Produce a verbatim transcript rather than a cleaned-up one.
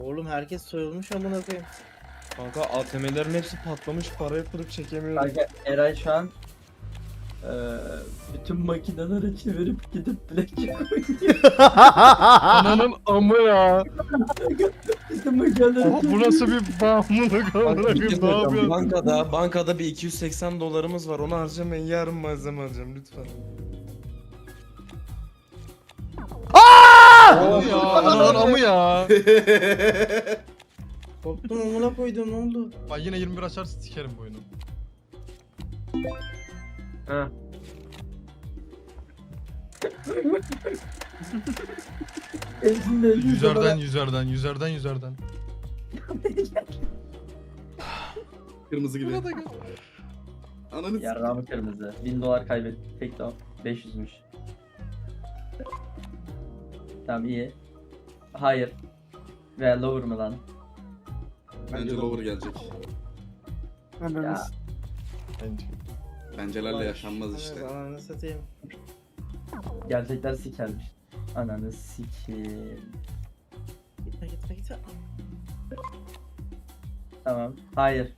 Oğlum herkes soyulmuş amına koyayım. Kanka A T M'lerin hepsi patlamış, para yatırıp çekemiyorum. Kanka Eray şu an eee bütün makineleri çevirip gidip blackjack oynuyor. Ananın amı ya. Bütün makineleri Aha, bu nasıl bir bağımlılık amına Kanka, bir koyayım, şey ne söyleyeceğim. yapıyorsun? Bankada, bankada bir iki yüz seksen dolarımız var. Onu harcamayın. Yarın malzeme alacağım lütfen. Amı ya, ananın amı ya. Korktum amına koydum, ne oldu? Bak yine yirmi bir açarsa sikerim bu oyunu. Ha. Hepsinde Yüzerden yüzerden yüzerden yüzerden. Kırmızı gibi. Burada gel. Ananı s- Yarrağımı kırmızı. bin dolar kaybettik. Tek de o. beş yüzmüş. Tamam iyi. Hayır. Veya lower mı lan? Bence lower gelecek. Ya. Bence. Pencerelerle yaşanmaz işte. Evet, ananı satayım. Gerçekler sikermiş. Ananı sikeyim. Gitme gitme gitme. Tamam. Hayır.